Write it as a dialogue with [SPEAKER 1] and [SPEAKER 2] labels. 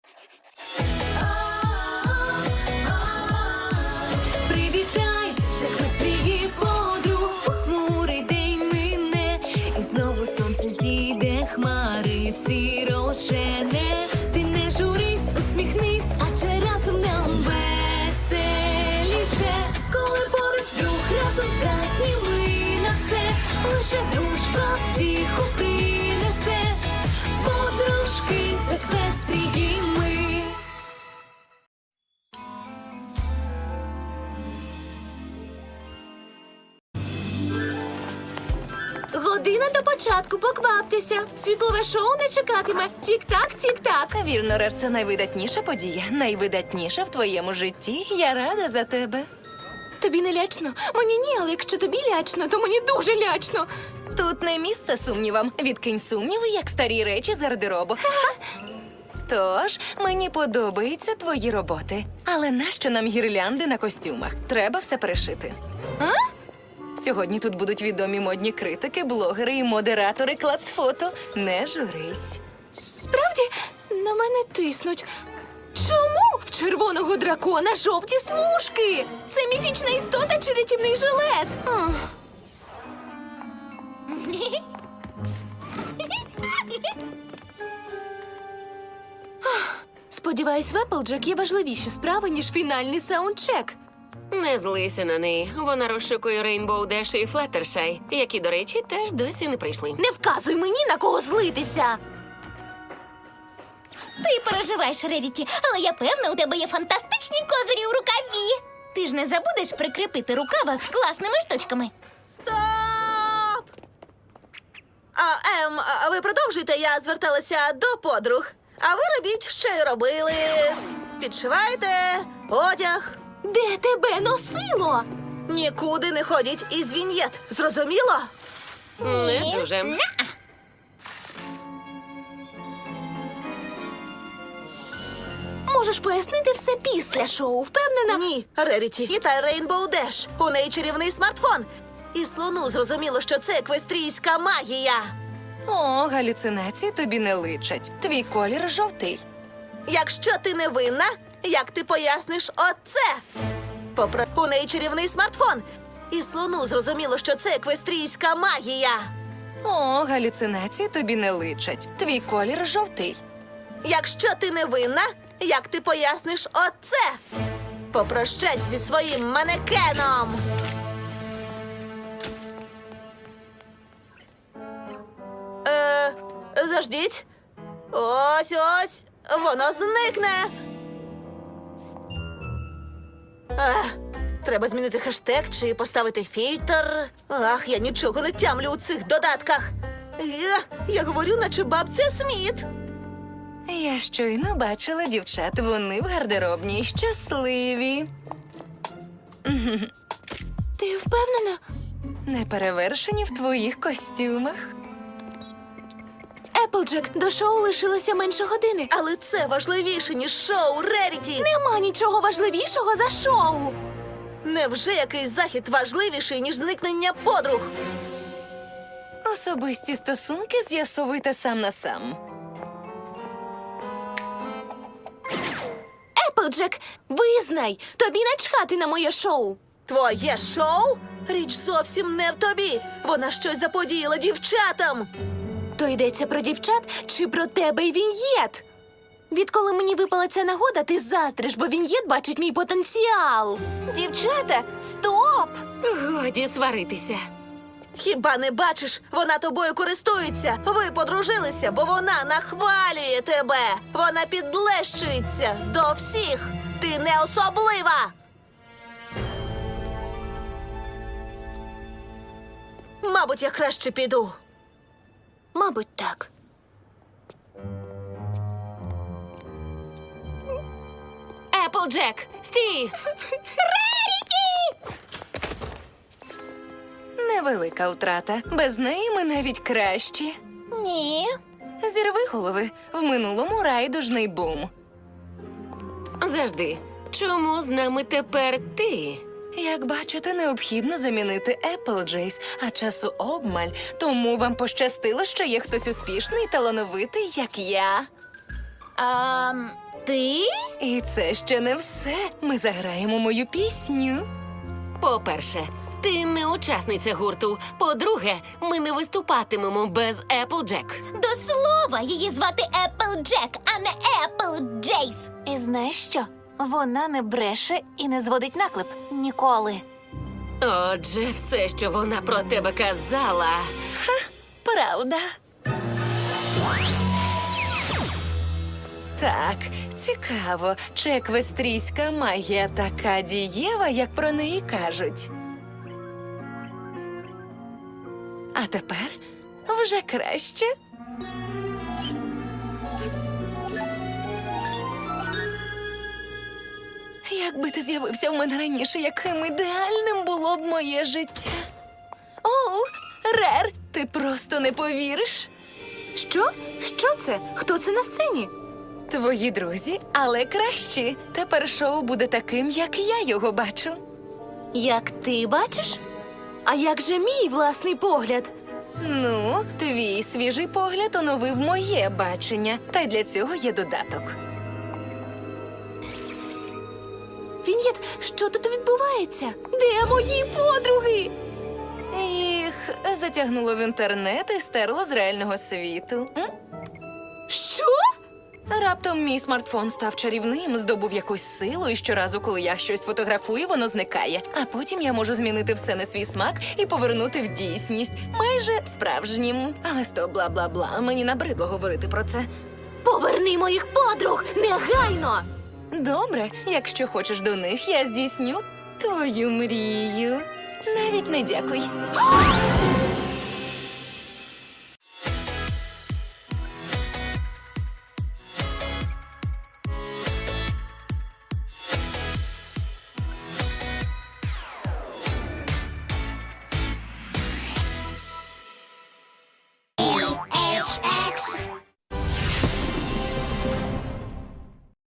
[SPEAKER 1] Привітай, захвестрії подруг, похмурий день мине, і знову сонце зійде, хмари всі розжене. Ти не журись, усміхнись, адже разом нам веселіше. Коли поруч друг, разом здатні ми на все, лише дружба втіху принесе. Подружки захвестрії ми.
[SPEAKER 2] Година до початку, покваптеся. Світлове шоу не чекатиме. Тік-так, тік-так.
[SPEAKER 1] Вірно, Рер, це найвидатніша подія. Найвидатніша в твоєму житті. Я рада за тебе.
[SPEAKER 2] Тобі не лячно? Мені ні, але якщо тобі лячно, то мені дуже лячно.
[SPEAKER 1] Тут не місце сумнівам. Відкинь сумніви, як старі речі з гардеробу. Тож, мені подобаються твої роботи. Але нащо нам гірлянди на костюмах? Треба все перешити.
[SPEAKER 2] А?
[SPEAKER 1] Сьогодні тут будуть відомі модні критики, блогери і модератори клацфото. Не журись.
[SPEAKER 2] Справді, на мене тиснуть. Чому в червоного дракона жовті смужки? Це міфічна істота чи рятівний жилет? Сподіваюсь, в Applejack є важливіші справи, ніж фінальний саундчек.
[SPEAKER 3] Не злися на неї. Вона розшукує Рейнбоу Деш і Флаттершай, які, до речі, теж досі не прийшли.
[SPEAKER 2] Не вказуй мені, на кого злитися.
[SPEAKER 4] Ти переживаєш, Реріті, але я певна, у тебе є фантастичні козирі у рукаві. Ти ж не забудеш прикріпити рукава з класними штучками.
[SPEAKER 5] Стоп! Ви продовжуйте, я зверталася до подруг. А ви робіть, що й робили. Підшивайте одяг.
[SPEAKER 2] Де тебе носило?
[SPEAKER 5] Нікуди не ходіть із віньєт. Зрозуміло?
[SPEAKER 3] Не дуже.
[SPEAKER 2] Можеш пояснити все після шоу, впевнена?
[SPEAKER 5] Ні, Реріті. І та Рейнбоу Деш. У неї чарівний смартфон. І слону зрозуміло, що це еквестрійська магія.
[SPEAKER 1] О, галюцинації тобі не личать. Твій колір жовтий.
[SPEAKER 5] Якщо ти не винна, як ти поясниш оце? У неї чарівний смартфон. І слону зрозуміло, що це еквестрійська магія.
[SPEAKER 1] О, галюцинації тобі не личать. Твій колір жовтий.
[SPEAKER 5] Якщо ти не винна, як ти поясниш оце? Попрощайся зі своїм манекеном. Заждіть. Ось, воно зникне. Треба змінити хештег чи поставити фільтр. Ах, я нічого не тямлю у цих додатках. Я говорю, наче бабця Сміт.
[SPEAKER 1] Я щойно бачила дівчат. Вони в гардеробній щасливі.
[SPEAKER 2] Ти впевнена?
[SPEAKER 1] Неперевершені в твоїх костюмах.
[SPEAKER 2] Applejack, до шоу лишилося менше години.
[SPEAKER 5] Але це важливіше, ніж шоу, Реріті.
[SPEAKER 2] Нема нічого важливішого за шоу.
[SPEAKER 5] Невже якийсь захід важливіший, ніж зникнення подруг?
[SPEAKER 1] Особисті стосунки з'ясовуйте сам на сам.
[SPEAKER 2] Applejack, визнай, тобі начхати на моє шоу.
[SPEAKER 5] Твоє шоу? Річ зовсім не в тобі. Вона щось заподіяла дівчатам.
[SPEAKER 2] То йдеться про дівчат чи про тебе і Віньєт? Відколи мені випала ця нагода, ти заздриш, бо Віньєт бачить мій потенціал.
[SPEAKER 5] Дівчата, стоп!
[SPEAKER 3] Годі сваритися.
[SPEAKER 5] Хіба не бачиш? Вона тобою користується. Ви подружилися, бо вона нахвалює тебе. Вона підлещується до всіх. Ти не особлива. Мабуть, я краще піду.
[SPEAKER 2] Мабуть, так.
[SPEAKER 3] Applejack, стій!
[SPEAKER 1] Невелика втрата. Без неї ми навіть кращі.
[SPEAKER 4] Ні.
[SPEAKER 1] Зірви голови. В минулому райдужний бум.
[SPEAKER 3] Завжди. Чому з нами тепер ти?
[SPEAKER 1] Як бачите, необхідно замінити Applejays, а часу обмаль. Тому вам пощастило, що є хтось успішний і талановитий, як я.
[SPEAKER 4] Ти?
[SPEAKER 2] І це ще не все. Ми заграємо мою пісню.
[SPEAKER 3] По-перше, ти не учасниця гурту. По-друге, ми не виступатимемо без Applejack.
[SPEAKER 4] До слова, її звати Applejack, а не Applejace.
[SPEAKER 5] І знаєш що? Вона не бреше і не зводить наклеп. Ніколи.
[SPEAKER 3] Отже, все, що вона про тебе казала.
[SPEAKER 2] Правда. Так, цікаво, чи еквестрійська магія така дієва, як про неї кажуть. А тепер вже краще. Якби ти з'явився в мене раніше, яким ідеальним було б моє життя. Оу, Рер, ти просто не повіриш. Що? Що це? Хто це на сцені? Твої друзі, але кращі. Тепер шоу буде таким, як я його бачу.
[SPEAKER 5] Як ти бачиш?
[SPEAKER 2] А як же мій власний погляд? Ну, твій свіжий погляд оновив моє бачення, та й для цього є додаток. Він'єт, що тут відбувається? Де мої подруги? Їх затягнуло в інтернет і стерло з реального світу. Що? Раптом мій смартфон став чарівним, здобув якусь силу, і щоразу, коли я щось фотографую, воно зникає. А потім я можу змінити все на свій смак і повернути в дійсність, майже справжнім. Але стоп, бла-бла-бла, мені набридло говорити про це.
[SPEAKER 5] Поверни моїх подруг! Негайно!
[SPEAKER 2] Добре, якщо хочеш до них, я здійсню твою мрію. Навіть не дякуй.